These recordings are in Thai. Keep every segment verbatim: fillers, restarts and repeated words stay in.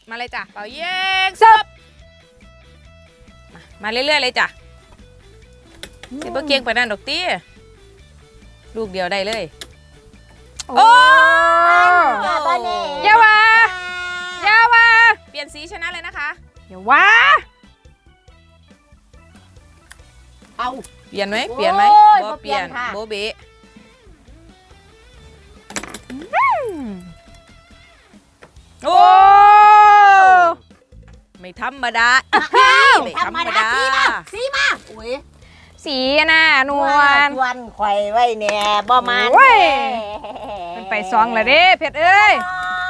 มาเลยจ้ะเป่ายิงซับมามาเรื่อยๆเลยจ้ะสิบเกียงไปนั่นดอกตี้ลูกเดียวได้เลยโอ้ยาวายาวาเปลี่ยนสีชนะเลยนะคะยาวาเอาเปลี่ยนไหมเปลี่ยนไหมโบเปลี่ยนโบเบะโอ้ไม่ธรรมดาไม่ธรรมดาสีมาสีมาอุ้ยสีน่ะนวลวันไข่ไว้เนี่ยบ่มาเป็นไปซองเลยเด้เพชรเอ้ย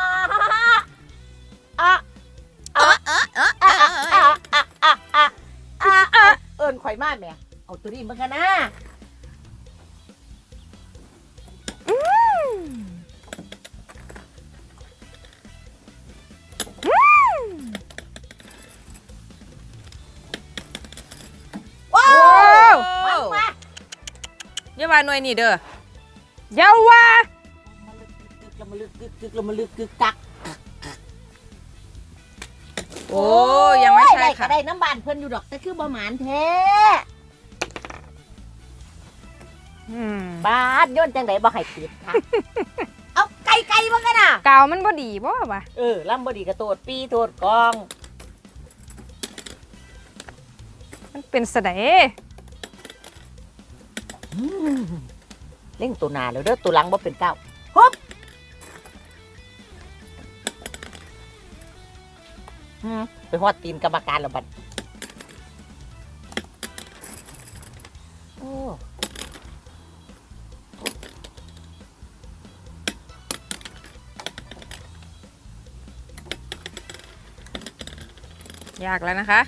อะอะอะอะอะอะอะอะอะอะเอิญไข่มาแม่เอาตัวนี้มากันนะเยาวาหน่วยนี่เด้อเยาวาเรามาลึกกึกกึกเรามาลึกกึกกักโอ้ยังไม่ใช่ค่ะได้น้ำบานเพิ่นอยู่ดอกแต่คือบ่หมานแท้บ้านโยนจังไดบ่ให้ติดค่ะเอาไก่ไก่บ่กันน่ะกาวมันบ่ดีบ่วะเออลำบ่ดีก็โทษปีโทษกองมันเป็นสะเดเล่งตัวหนาแล้วเด้อตัวหลังบ่เป็นเก้าฮึบไปฮอดตีนกรรมการแล้วบัดโอ้ยากแล้วนะคะ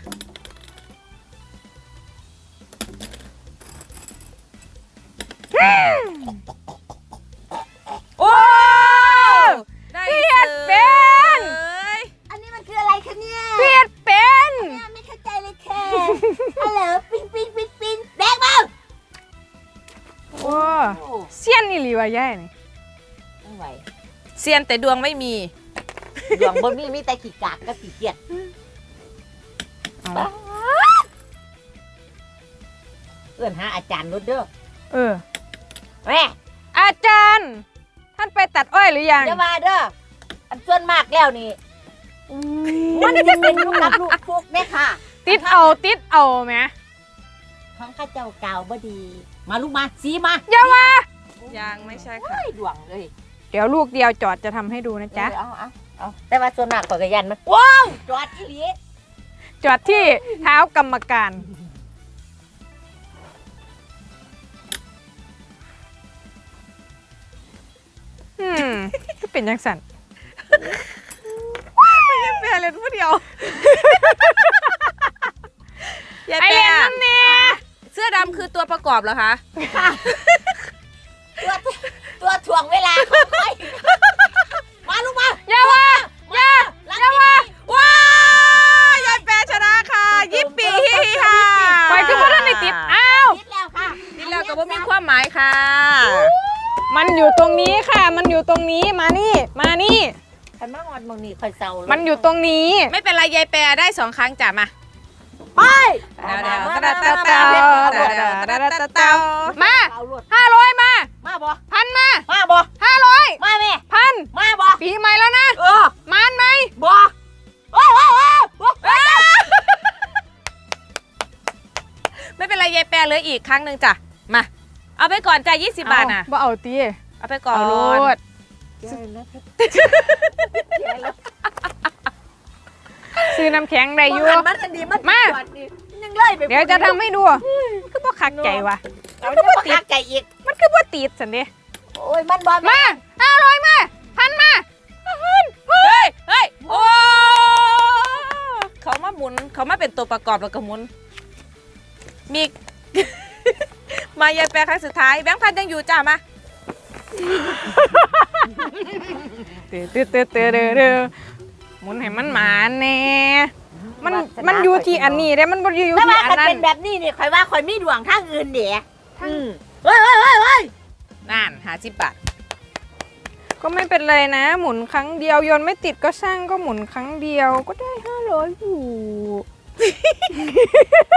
โอ้ได้เปียดเป็นอันนี้มันคืออะไรคะเนี่ยเปียดเป็นไม่เข้าใจเลยค่ะฮัลโหลปิ้งปิ้งปิ้งปิ้งแดงมาโอ้เซียนนี่หรือว่าแย่นี่ไม่ไหวเซียนแต่ดวงไม่มีดวงบนมีมีแต่ขี้กากกับขี้เกียจเอื้อนหาอาจารย์รถเด้อเออแม่อาจารย์ท่านไปตัดอ้อยหรือยังจะมาเด้ออันส่วนมากแล้วนี่มันจะเป็นลูกรับลูกฟุกเนี่ยค่ะติดเอาติดเอาไหมของข้าเจ้าเก่าบ่ดีมาลูกมาสีมาอย่ามายังไม่ใช่ค่ะดวงเลยเดี๋ยวลูกเดียวจอดจะทำให้ดูนะจ๊ะเอาเอาเอาแต่ว่าส่วนมากกว่ากระยันมันว้าวจอดที่ลีจอดที่เท้ากรรมการอืมก็เป็นยังสั่นไม่เป็นอะไรผู้เดียวยายแปะเสื้อดำคือตัวประกอบเหรอคะตัวตัวถ่วงเวลาของใครมาลูกมาอย่าว่าอย่าอย่าว่าว้ายายแปะชนะค่ะยิปปี้ค่ะไปขึ้นมาด้านในติดอ้าวติดแล้วค่ะติดแล้วก็ว่ามีความหมายค่ะมันอยู่ตรงนี้ค่ะมันอยู่ตรงนี้มานี่มานี่ขันมางอนมองนี่คอยเศร้ามันอยู่ตรงนี้ไม่เป็นไรยายแปะได้สองครั้งจ้ะมาไปเดาเดาเดาเดาเดาเดาเดาเดาเดามาห้าร้อยมามาบ่พันมามาบ่ห้าร้อยมาแม่พันมาบ่ปีใหม่แล้วนะเออมานไหมบ่โอ้โหไม่เป็นไรยายแปะเหลืออีกครั้งหนึ่งจ้ะมาเอาไปก่อนจ้ะยี่สิบบาทนะบ่เอาตีเอาไปก่อนซื้อน้ำแข็งได้อยู่มาเดี๋ยวจะทำให้ดูมันคือว่าขักใจวะมันคือว่าขักใจอีกมันคือว่าติดสันดิโอ้ยมันบอลมาห้าร้อยมาพันมาเฮ้ยเฮ้ยโอ้เขามาหมุนเขามาเป็นตัวประกอบแล้วก็หมุนมีมายายแปะครั้งสุดท้ายแบงค์พันยังอยู่จ้ามาเตะเตะเตะเตะเตะหมุนให้มันหมาแน่มันมันอยู่ที่อันนี้ได้มันบ่อยู่ที่อันนั้นเป็นแบบนี้นี่คอยว่าคอยมีดวงทางอื่นเดี๋ยเฮ้ยเฮ้ยเฮ้ยเฮ้ยนั่นหาสิบบาทก็ไม่เป็นไรนะ หมุนครั้งเดียวโยนไม่ติดก็ช่างก็หมุนครั้งเดียวก็ได้ห้าร้อยอยู่